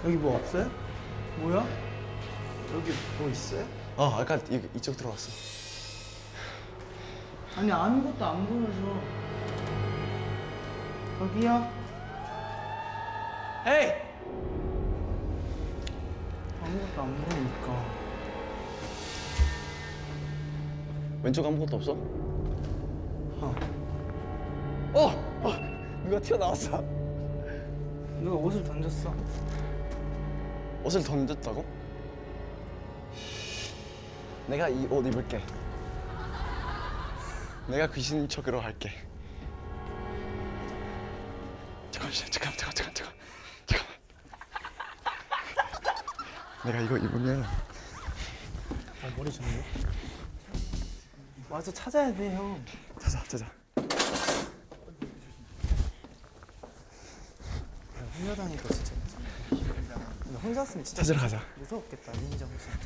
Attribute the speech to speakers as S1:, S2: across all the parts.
S1: 여기 뭐 없어요? 뭐야? 여기 뭐 있어요?
S2: 아까 이쪽 들어왔어.
S1: 아니 아무것도 안 보여서. 여기요? 에이! 아무것도 안 보이니까.
S2: 왼쪽 아무것도 없어? 누가 튀어나왔어.
S1: 누가 옷을 던졌어.
S2: 옷을 던졌다고? 내가 이 옷 입을게. 내가 귀신 척으로 할게. 잠깐만. 내가 이거 입으면
S1: 머리 좋네. 와서 찾아야 돼, 형.
S2: 찾아.
S1: 혼자다니까 진짜. 근데 혼자였으면 진짜
S2: 찾으러 가자.
S1: 무서웠겠다, 민정 진짜.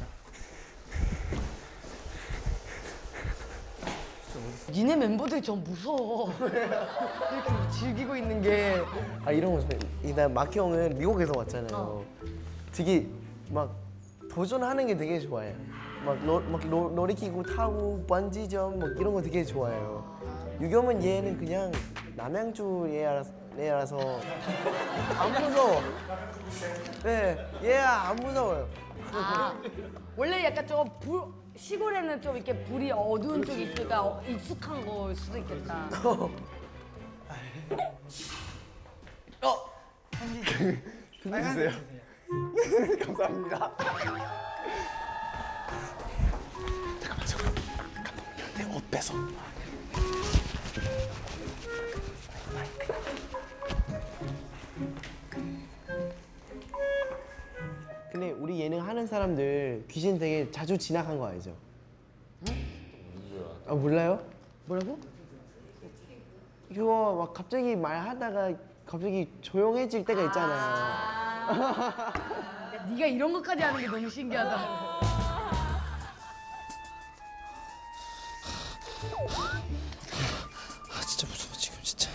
S3: 니네 멤버들이 좀 무서워. 이렇게 즐기고 있는 게.
S4: 이런 거 좋아해. 나 마키 형은 미국에서 왔잖아요. 되게 막 도전하는 게 되게 좋아해요. 막 놀이기구 타고 번지점 막 이런 거 되게 좋아해요. 유겸은 얘는 그냥 남양주 얘라서 안 무서워. 네, 얘 안 무서워요.
S3: 원래 약간 좀 시골에는 좀 이렇게 불이 어두운 쪽이 있으니까 익숙한 걸 수도 있겠다.
S2: 편지 주세요. 감사합니다. 잠깐만. 내 옷 뺏어.
S4: 근데 우리 예능 하는 사람들 귀신 되게 자주 지나간 거 알죠? 몰라요?
S3: 뭐라고?
S4: 이거 막 갑자기 말하다가 갑자기 조용해질 때가 있잖아요.
S3: 야, 네가 이런 것까지 하는 게 너무 신기하다.
S2: 진짜 무서워 지금 진짜.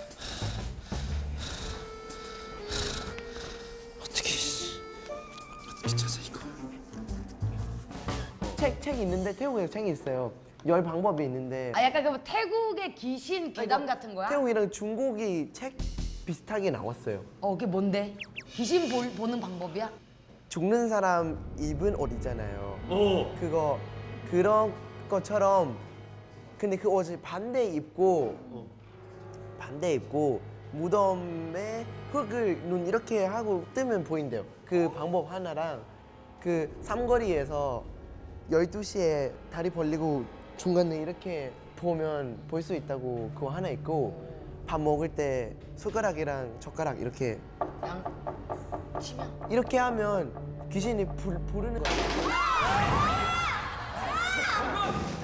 S2: 어떻게 찾아 이거?
S4: 책 있는데 태국에 책이 있어요. 열 방법이 있는데
S3: 약간 그 태국의 귀신 괴담 같은 거야?
S4: 태국이랑 중국이 책 비슷하게 나왔어요.
S3: 그게 뭔데? 귀신 보는 방법이야?
S4: 죽는 사람 입은 옷 있잖아요. 그거 그런 것처럼 근데 그 옷을 반대 입고 무덤에 흙을 눈 이렇게 하고 뜨면 보인대요. 그 방법 하나랑 그 삼거리에서 12시에 다리 벌리고 중간에 이렇게 보면 볼 수 있다고 그거 하나 있고 밥 먹을 때 숟가락이랑 젓가락 이렇게
S3: 치면?
S4: 이렇게 하면 귀신이 부르는 거야.